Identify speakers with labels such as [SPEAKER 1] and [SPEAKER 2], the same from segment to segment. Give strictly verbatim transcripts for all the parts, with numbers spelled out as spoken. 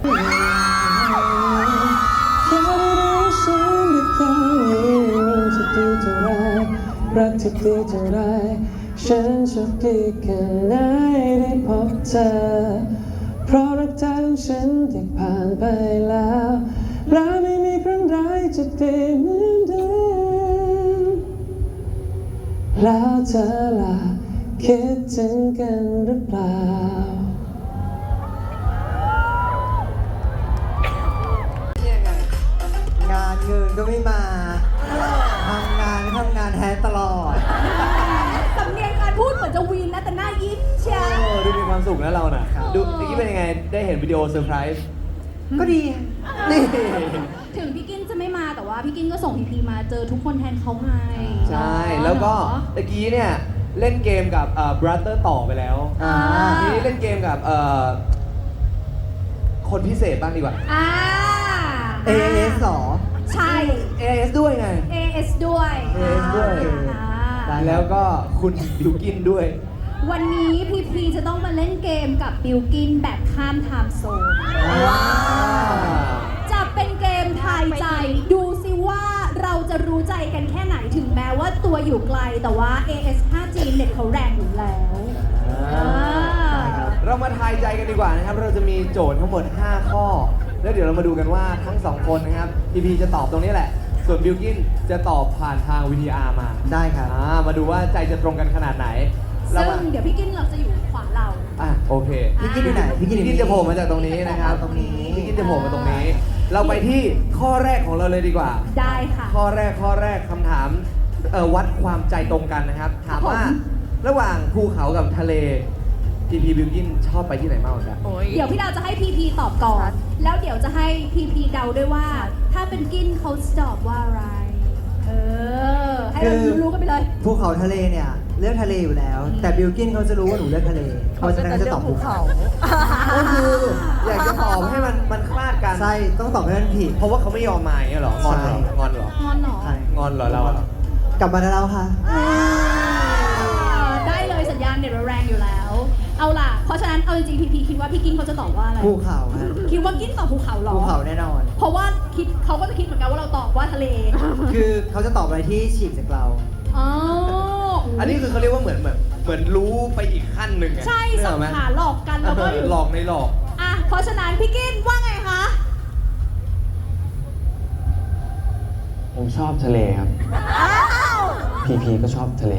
[SPEAKER 1] รักที่ดีเท่าไรฉันโชคดีแค่ไหนได้พบเธอเพราะรักเธอของฉันที่ผ่านไปแล้วและไม่มีครั้งใดจะดีเหมือนเดิมแล้วเธอล่ะคิดถึงกันหรือเปล่าง
[SPEAKER 2] านเงินก็ไม่มาทำงานทำงานแทนตลอด
[SPEAKER 3] สำเนียงการพูดเหมือนจะวีนนะแต่หน้ายิ้มเชียว
[SPEAKER 1] ดูมีความสุขนะเราน่ะดูเมื่อกี้เป็นยังไงได้เห็นวิดีโอเซอร์ไพรส์
[SPEAKER 2] ก็ดีนี่
[SPEAKER 3] ถึงพี่กินจะไม่มาแต่ว่าพี่กินก็ส่งพีพีมาเจอทุกคนแทนเขาไง
[SPEAKER 1] ใช่แล้วก็ตะกี้เนี่ยเล่นเกมกับเอ่อบรัตเตอร์ต่อไปแล้วทีนี้เล่นเกมกับเอ่อคนพิเศษบ้างดีกว่า
[SPEAKER 3] อ่า
[SPEAKER 2] เอ เอส หรอ
[SPEAKER 3] ใช่
[SPEAKER 1] เอ เอส ด้วยไง
[SPEAKER 3] เอ เอส ด้วย
[SPEAKER 1] เอ เอส ด้วยแล้วก็คุณบิวกินด้วย
[SPEAKER 3] วันนี้พีพีจะต้องมาเล่นเกมกับบิวกินแบบข้ามไทม์โซนว้าวจะเป็นเกมทายใจดูซิว่าเราจะรู้ใจกันแค่ไหนถึงแม้ว่าตัวอยู่ไกลแต่ว่า เอ เอส ห้าจี เน็ตเขาแรงอยู่แล้ว
[SPEAKER 1] เรามาทายใจกันดีกว่านะครับเราจะมีโจทย์ทั้งหมดห้าข้อแล้วเดี๋ยวเรามาดูกันว่าทั้งสองคนนะครับพีพีจะตอบตรงนี้แหละส่วนบิลกินจะตอบผ่านทาง วี ที อาร์ มา
[SPEAKER 2] ได้ครับ
[SPEAKER 1] มาดูว่าใจจะตรงกันขนาดไหน
[SPEAKER 3] ซึ่งเดี๋ยวพี่กินเราจะอยู่ขวาเรา
[SPEAKER 1] อ่ะโอเค
[SPEAKER 2] พี่กินอยู่ไหนพี่กิน
[SPEAKER 1] จะโผล่มาจากตรงนี้นะครับ
[SPEAKER 2] ตรงนี้
[SPEAKER 1] พี่กินจะโผล่มาตรงนี้เราไปที่ข้อแรกของเราเลยดีกว่า
[SPEAKER 3] ได้ค่ะ
[SPEAKER 1] ข้อแรกข้อแรกคำถามวัดความใจตรงกันนะครับถามว่าระหว่างภูเขากับทะเลพีพีบิลกินชอบไปที่ไหนมากกว่ากัน
[SPEAKER 3] เดี๋ยวพี่ดาวจะให้พีพีตอบก่อนแล้วเดี๋ยวจะให้พีพีเดาด้วยว่าถ้าเป็นกินเขาตอบว่าอะไรเออให้เรารู้กันไปเลย
[SPEAKER 2] ภูเขาทะเลเนี่ยเลือกทะเลอยู่แล้วแต่บิลกินเขาจะรู้ว่าหนูเลือกทะเลเขาจะจะตอบภูเขา
[SPEAKER 1] ก็คืออยากจะตอบให้มันมันคลาดกัน
[SPEAKER 2] ใช่ต้องตอบให้มันผิด
[SPEAKER 1] เพราะว่าเขาไม่ยอมมาอย่างเงี้ยหรองอนหรองอนหรอง
[SPEAKER 3] อนหร
[SPEAKER 1] องอนหรอเรา
[SPEAKER 2] กลับมาแล้วค่ะ
[SPEAKER 3] ได้เลยสัญญาณเน็ตแรงอยู่แล้วเอาล่ะเพราะฉะนั้นเอาจริงๆพีพีคิดว่าพี่กินเขาจะตอบว่าอะไร
[SPEAKER 2] ภูเขา
[SPEAKER 3] คิดว่ากินตอบภูเขาหรอ
[SPEAKER 2] ภูเขาแน่นอน
[SPEAKER 3] เพราะว่าคิดเขาก็จะคิดเหมือนกันว่าเราตอบว่าทะเล
[SPEAKER 2] คือเขาจะตอบอะไรที่ฉีกจากเรา
[SPEAKER 3] อ๋อ
[SPEAKER 1] อันนี้คือเขาเรียกว่าเหมือนเหมือนเหมือนรู้ไปอีกขั้นหนึ่งไง
[SPEAKER 3] ใช่สังหารหลอกกันแล้วก็
[SPEAKER 1] หลอกในหลอก
[SPEAKER 3] อ่ะเพราะฉะนั้นพี่กินว่าไงคะ
[SPEAKER 4] ผมชอบทะเลครับพีพีก็ชอบทะเล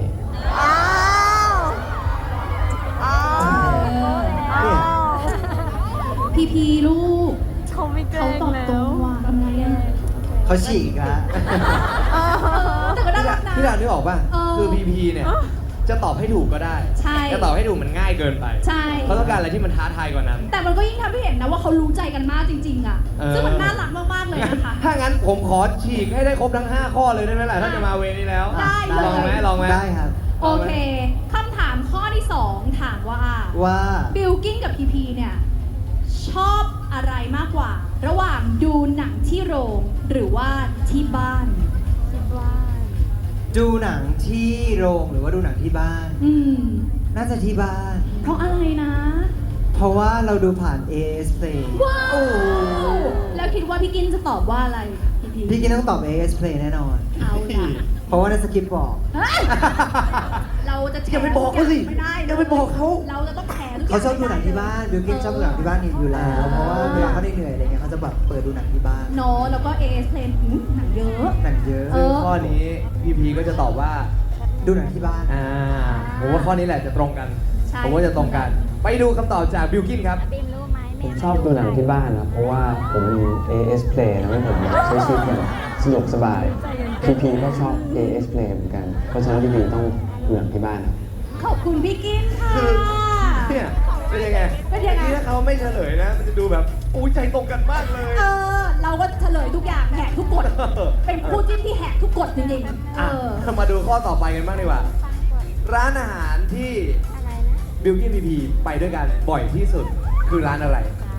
[SPEAKER 3] พีพีลูกเขาตอบตรงว่าทำไงอ่ะ
[SPEAKER 2] เขาฉีกแล้ว
[SPEAKER 3] แต่ก็น่ารักนะ
[SPEAKER 1] พี่ดาวนึกออกป่ะคือพีพีเนี่ยจะตอบให้ถูกก็ได้จะตอบให้ถูกมันง่ายเกินไป
[SPEAKER 3] ใช่
[SPEAKER 1] เขาต้องการอะไรที่มันท้าทายกว่านั้น
[SPEAKER 3] แต่มันก็ยิ่งทำให้เห็นนะว่าเขารู้ใจกันมากจริงๆอ่ะซึ่งมันน่ารักมากๆเลยนะคะ
[SPEAKER 1] ถ้างั้นผมขอฉีกให้ได้ครบทั้งห้าข้อเลยได้ไหมล่ะถ้าจะมาเวนี้แล้ว
[SPEAKER 3] ได้
[SPEAKER 1] ลองไหมลองไหม
[SPEAKER 2] ได้ครับ
[SPEAKER 3] โอเคคำถามข้อที่สองถามว่า
[SPEAKER 2] ว่า
[SPEAKER 3] บิลกิ้นกับพีพีเนี่ยชอบอะไรมากกว่าระหว่างดูหนังที่โรงหรือว่าที่บ้านที่บ้าน
[SPEAKER 2] ดูหนังที่โรงหรือว่าดูหนังที่บ้าน
[SPEAKER 3] อืม
[SPEAKER 2] น่าจะที่บ้าน
[SPEAKER 3] เพราะอะไรนะ
[SPEAKER 2] เพราะว่าเราดูผ่าน เอ เอส Play
[SPEAKER 3] ว้าวแล้วคิดว่าพี่กินจะตอบว่าอะไร
[SPEAKER 2] พี่พี่กินต้องตอบ เอ เอส Play แน่นอน
[SPEAKER 3] เอาล่ะ
[SPEAKER 2] เพราะว่าในสคริปต์บอก
[SPEAKER 3] เราจะ
[SPEAKER 1] อย่าไปบอกเขาสิ
[SPEAKER 3] ไม่ได้
[SPEAKER 1] อย่าไปบอกเขา
[SPEAKER 3] เราจะต้องแชร์
[SPEAKER 2] เขาชอบดูหนังที่บ้านบิลกินชอบดูหนังที่บ้านอยู่แล้วเพราะว่าเวลาเขาได้เหนื่อยอะไรเงี้ยเขาจะแบบเปิดดูหนังที่บ้าน
[SPEAKER 3] เนาะแล้วก็ เอ เอส Play หนังเยอะ
[SPEAKER 2] หนังเยอะ
[SPEAKER 1] ซึ่งข้อนี้พีพีก็จะตอบว่า
[SPEAKER 2] ดูหนังที่บ้าน
[SPEAKER 1] อ่าผมว่าข้อนี้แหละจะตรงกันผมว่าจะตรงกันไปดูคำตอบจากบิลกินครับ
[SPEAKER 4] ผมชอบดูหนังที่บ้านนะเพราะว่าผมมี เอ เอส Play ทำให้ผมใช้ชีวิตแบบสะดวกสบายพีพีก็ชอบ เอ เอส Play เหมือนกันเพราะฉะนั้นพีพีต้องดูหนังที่บ้านครับ
[SPEAKER 3] ขอบคุณพี่กินค่ะ
[SPEAKER 1] เนี่ยเป็นยังไง
[SPEAKER 3] เป็นยังไง
[SPEAKER 1] ถ้าเขาไม่เฉลยนะมันจะดูแบบอู้ใจตรงกันมากเลย
[SPEAKER 3] เออเราก็เฉลยทุกอย่างแหกทุกกฎเป็นคู่จิ้นที่แหกทุกกฎจริงๆเออ
[SPEAKER 1] มาดูข้อต่อไปกันบ้างดีกว่าร้านอาหารที่บิลกิ้นพีพีไปด้วยกันบ่อยที่สุดคือร้านอะไร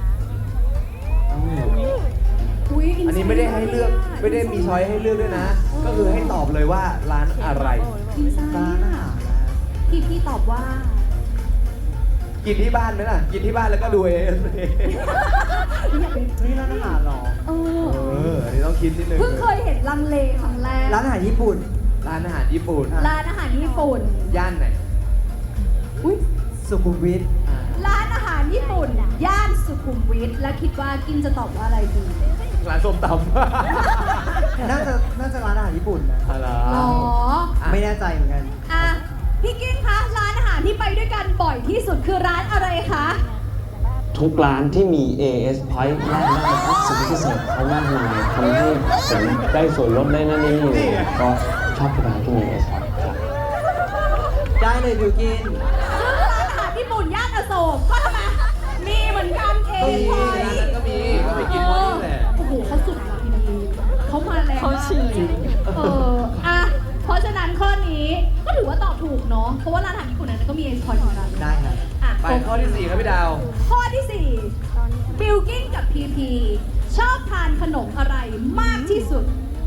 [SPEAKER 1] อันนี้ไม่ได้ให้เลือกไม่ได้มีช้อยให้เลือกด้วยนะก็คือให้ตอบเลยว่าร้านอะไร
[SPEAKER 2] ร้านอาหาร
[SPEAKER 3] พี่พี่ตอบว่า
[SPEAKER 1] กินที่บ้านไหมล่ะกินที่บ้านแล้วก็ดูเอ เอส
[SPEAKER 3] รไม่อยากเป็น
[SPEAKER 2] นี่ร้านอาหารเหรอ
[SPEAKER 3] เอ
[SPEAKER 5] เอ
[SPEAKER 3] อ
[SPEAKER 5] ออันนี้ต้องคิดนิดนึง
[SPEAKER 3] เพิ่งเคยเห็นลังเลครั้งแรก
[SPEAKER 2] ร้านอาหารญี่ปุ่น
[SPEAKER 5] ร้านอาหารญี่ปุ่น
[SPEAKER 3] ร้านอาหารญี่ปุ่น
[SPEAKER 5] ย่านไหน
[SPEAKER 3] อุ้ย
[SPEAKER 2] สุขุมวิท
[SPEAKER 5] อ่า
[SPEAKER 3] ร้านอาหารญี่ปุ่น ย่านสุขุมวิทแล้วคิดว่ากินจะตอบว่าอะไรดี
[SPEAKER 5] ร้านส้มตำ
[SPEAKER 2] น่าจะน่าจะร้านอาหารญี่ปุ่นนะ
[SPEAKER 5] อะไร
[SPEAKER 3] อ๋อ
[SPEAKER 2] ไม่แน่ใจเหมือนกัน
[SPEAKER 3] อ่ะพี่กิ้งคะร้านอาหารที่ไปด้วยกันบ่อยที่สุดคือร้านอะไรคะ
[SPEAKER 4] ทุกร้านที่มี เอ เอส Point ได้ได้ครับสิทธิพิเศษเขามากมายทำให้ผมได้ส่วนลดได้นั่นนี่ก็ชอบทุกร้านที่มี เอ เอส Point ครับ
[SPEAKER 2] ได้เลยบิวกิน
[SPEAKER 3] ซึ่งร้านอาหารญี่ปุ่นย่านอโศกก็ทำไมมีเหมือนกันเอ
[SPEAKER 5] ก็
[SPEAKER 3] ง
[SPEAKER 5] มี
[SPEAKER 3] พอย
[SPEAKER 5] ร้านนั้นก็มีก็ไปกินที่นี่แหละ
[SPEAKER 3] โอ้โหเขาสุดว่ะพี่ดีเขามาแรงมากเลยเอออ่ะเพราะฉะนั้นข้อนี้ก็ถือว่าตอบถูกเนาะเพราะว่าร้านอาหารญี่ปุ่นนั้นก็มีเอสพอยเหมือนกัน
[SPEAKER 2] ได้ครับ
[SPEAKER 3] อ่ะ
[SPEAKER 5] ไปข้อที่สี่ครับพี่ดาว
[SPEAKER 3] ข้อที่สี่บิลกิ้นกับพีพีชอบทานขนมอะไรมากที่สุด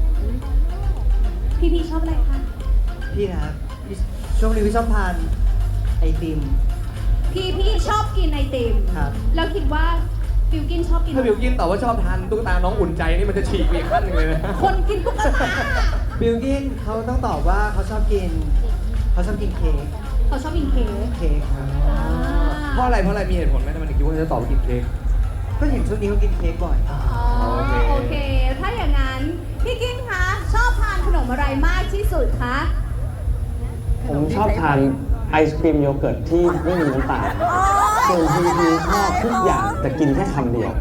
[SPEAKER 3] พีพีชอบอะไรคะ
[SPEAKER 2] พี่นะครับพี่ช่วงนี้พี่ชอบทานไอติม
[SPEAKER 3] พีพีชอบกินไอติม
[SPEAKER 2] ครับ
[SPEAKER 3] แล้วคิดว่าบิลกินชอบกิน
[SPEAKER 5] ถ้าบิวกินตอบว่าชอบทานตุ๊กตาน้องอุ่นใจนี่มันจะฉีกไปอีกขั้นหนึ่งเลยนะ
[SPEAKER 3] คนกินตุ๊กตา
[SPEAKER 2] บิลกินเขาต้องตอบว่าเขาชอบกินเขาชอบกินเค้ก
[SPEAKER 3] เขาชอบกินเค้ก
[SPEAKER 2] เค้กครับ
[SPEAKER 3] อ่า
[SPEAKER 5] เพราะอะไรเพราะอะไรมีเหตุผลไหมทำไมถึงคิดว่าจะตอบว่ากินเค้ก
[SPEAKER 2] ก็เห็นช่วงนี้เขากินเค้กบ่อย
[SPEAKER 3] อ๋อ
[SPEAKER 5] โอเค
[SPEAKER 3] โอเค ถ้าอย่างนั้นพี่กิ้งคะชอบทานขนมอะไรมากที่สุดคะ
[SPEAKER 4] ผมชอบทานไอศครีมโยเกิร์ตที่ไม่มีน้ำตาลส่วนพีพีชอบทุกอย่างแต่กินแค่คำเดียว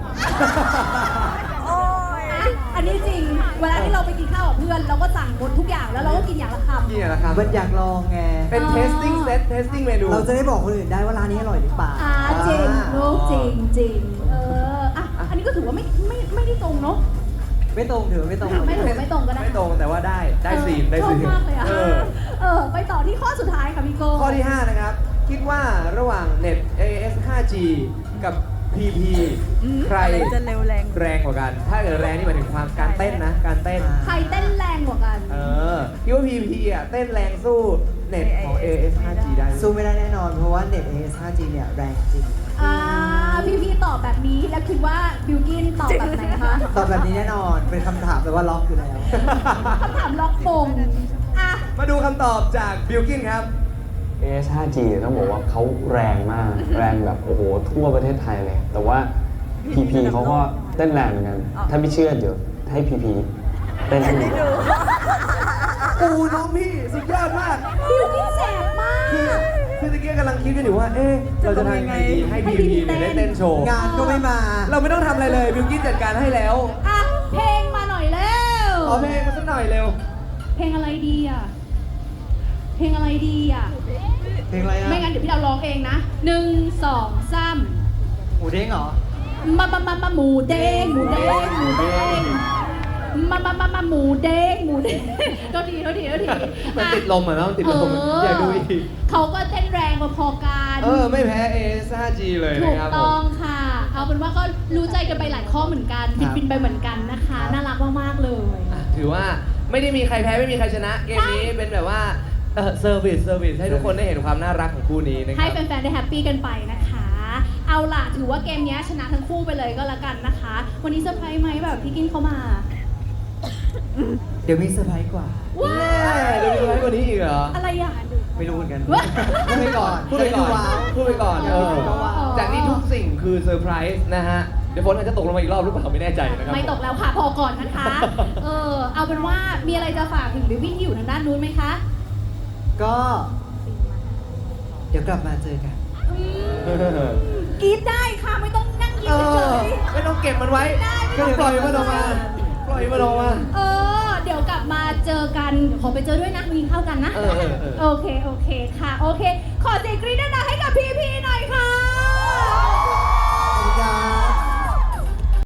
[SPEAKER 3] อ่ะอันนี้จริง เวลาที่เราไปกินข้าวกับเพื่อน เราก็สั่งหมดทุกอย่างแล้วเราก็กินอย่างละคำ
[SPEAKER 5] นี่แหละครับ
[SPEAKER 2] มันอยากลองไง
[SPEAKER 5] เป็น testing set testing เมนู
[SPEAKER 2] เราจะได้บอกคนอื่นได้ว่าร้านนี้อร่อยหรือเปล่า
[SPEAKER 3] อ่าจริงลูกจริงจริงเอออ่ะอันนี้ก็ถือว่าไม่ไม่ไม่ได้ตรงเนาะ
[SPEAKER 2] ไม่ตรงถือว่าไม่ตรง
[SPEAKER 3] ไม่ถูกไม่ตรงก็ได้
[SPEAKER 5] ไม่ตรงแต่ว่าได้ได้ซีนได้
[SPEAKER 3] ชอ
[SPEAKER 5] ซี
[SPEAKER 3] บ
[SPEAKER 5] น
[SPEAKER 3] มากเลยอ่ะ
[SPEAKER 5] เออ
[SPEAKER 3] เออไปต่อที่ข้อสุดท้ายค่ะพี่โก้
[SPEAKER 5] ข้อที่ ห้า นะครับ คิดว่าระหว่างเน็ต เอ เอส ห้าจี กับ พี พี ใคร
[SPEAKER 6] จะเร็วแรง
[SPEAKER 5] แรงกว่ากัน ถ้าเกิดแรงนี่หมายถึงความการเต้นนะ การเต้น
[SPEAKER 3] ใครเต้นแรงกว่ากัน
[SPEAKER 5] เออคิดว่า พี พี อ่ะ เต้นแรงสู้เน็ตของ เอ เอส ห้าจี ได้ไหม
[SPEAKER 2] สู้ไม่ได้แน่นอน เพราะว่าเน็ต เอ เอส ห้าจี เนี่ยแรงจริง
[SPEAKER 3] อ่าพี่พี่ตอบแบบนี้แล้วคิดว่าบิวกินตอบแบบไหนคะ
[SPEAKER 2] ตอบแบบนี้แน่นอน เป็นคำถามแต่ว่าล็อกอยู่แล้ว
[SPEAKER 3] คำถามล็อกมงอ่ะ
[SPEAKER 5] มาดูคำตอบจากบิลกินครับ
[SPEAKER 4] เอ เอส ห้าจี ต้องบอกว่าเขาแรงมาก แรงแบบโอ้โหทั่วประเทศไทยเลย แต่ว่า พี พี เขาก็เต้นแรงเหมือนกัน ถ้าไม่เชื่อเดี๋ยวให้ พี พี เต้นให้ดู
[SPEAKER 5] โอ้น้องพี่สุดยอดมาก
[SPEAKER 3] บิวกินแสบมาก
[SPEAKER 5] คือคือตะเกียกำลังคิดกันอยู่ว่า เอ๊ะ เราจะทำยังไงดีให้ พี พี เนี่ยได้เต้นโชว์
[SPEAKER 2] งานก็ไม่มา
[SPEAKER 5] เราไม่ต้องทำอะไรเลยบิลกินจัดการให้แล้ว
[SPEAKER 3] อ่ะเพลงมาหน่อยเร็ว
[SPEAKER 5] ขอเพลงมาสักหน่อยเร็ว
[SPEAKER 3] เพลงอะไรดีอ่ะ เพลงอะไรดีอ่ะ
[SPEAKER 2] เพลงอะไรอ่ะ
[SPEAKER 3] ไม่งั้นเดี๋ยวพี่เราร้องเองนะหนึ่งสองสาม
[SPEAKER 2] หมูเด้งเหรอ
[SPEAKER 3] มามามามาหมูเด้งหมูเด้งหมูเด้งมามามามาหมูเด้งหมูเด้งโทษทีโทษทีโทษที
[SPEAKER 5] มันติดลมอ่ะเนาะมันติดลม
[SPEAKER 3] เออ
[SPEAKER 5] อยากดูอีก
[SPEAKER 3] เขาก็เต้นแรงพอๆกัน
[SPEAKER 5] เออ ไม่แพ้ เอ เอส ห้าจี เลย
[SPEAKER 3] ถู
[SPEAKER 5] นะ
[SPEAKER 3] ก
[SPEAKER 5] ครับผ
[SPEAKER 3] ต้อ
[SPEAKER 5] ม
[SPEAKER 3] งค่ะ เอาเป็นว่าก็รู้ใจกันไปหลายข้อเหมือนกัน
[SPEAKER 2] ครับ
[SPEAKER 3] ฟินๆไปเหมือนกันนะคะ น่ารักมากๆเลย
[SPEAKER 5] อ่ะถือว่าไม่ได้มีใครแพ้ไม่มีใครชนะ เกมนี้เป็นแบบว่าเออเซอร์วิสเซอร์วิสให้ทุกคนได้เห็นความน่ารักของคู่นี้นะค
[SPEAKER 3] ให้
[SPEAKER 5] รับ
[SPEAKER 3] แฟนๆได้แฮปปี้กันไปนะคะ เอาล่ะ ถือว่าเกมนี้ชนะทั้งคู่ไปเลยก็แล้วกันนะคะ วันนี้เซอร์ไพรส์ไหมแบบพี่กินเข้ามา
[SPEAKER 2] เดี๋ยวมีเซอร์ไพรส์กว่า
[SPEAKER 3] ว้า
[SPEAKER 5] เดี๋ยวมีอะไรกว่านี้อีกเหรอ
[SPEAKER 3] อะไรอ่ะ
[SPEAKER 2] ไม่รู้เหมือนกัน
[SPEAKER 3] ว้า
[SPEAKER 2] พูดไปก่อน
[SPEAKER 5] พูดไปก่อน
[SPEAKER 2] ว้าว
[SPEAKER 5] พูดไปก่อนเออ
[SPEAKER 3] ว้าว
[SPEAKER 5] จากนี้ทุกสิ่งคือเซอร์ไพรส์นะฮะ เดี๋ยวฝนอาจจะตกลงมาอีกรอบหรือเปล่าไม่แน่ใจนะครับ
[SPEAKER 3] ไม่ตกแล้วค่ะ พอก่อนนะคะ เออ เอาเป็นว่ามีอะไรจะฝากถึงบิวกิ้นที่อยู่ทางด้านนู้นไหมคะ
[SPEAKER 2] ก็ เดี๋ยวกลับมาเจอกัน
[SPEAKER 3] กรีดได้ค่ะ ไม่ต้องนั่งยิ้
[SPEAKER 5] เอ
[SPEAKER 3] มเฉ
[SPEAKER 5] อย ไม่ต้องเก็บมันไว้
[SPEAKER 3] ได้ไม่
[SPEAKER 5] ก็
[SPEAKER 3] ต้อง
[SPEAKER 5] ปล่อยมันออกมา ปล่อยมันออกมา
[SPEAKER 3] ๆเออ เดี๋ยวกลับมาเจอกัน ขอไปเจอด้วยนะมีเข้ากันนะ
[SPEAKER 5] เออเออเออ
[SPEAKER 3] โอเค โอเคค่ะ โอเค ขอเสียงกรี๊ดดังๆให้กับพี่ๆหน่อย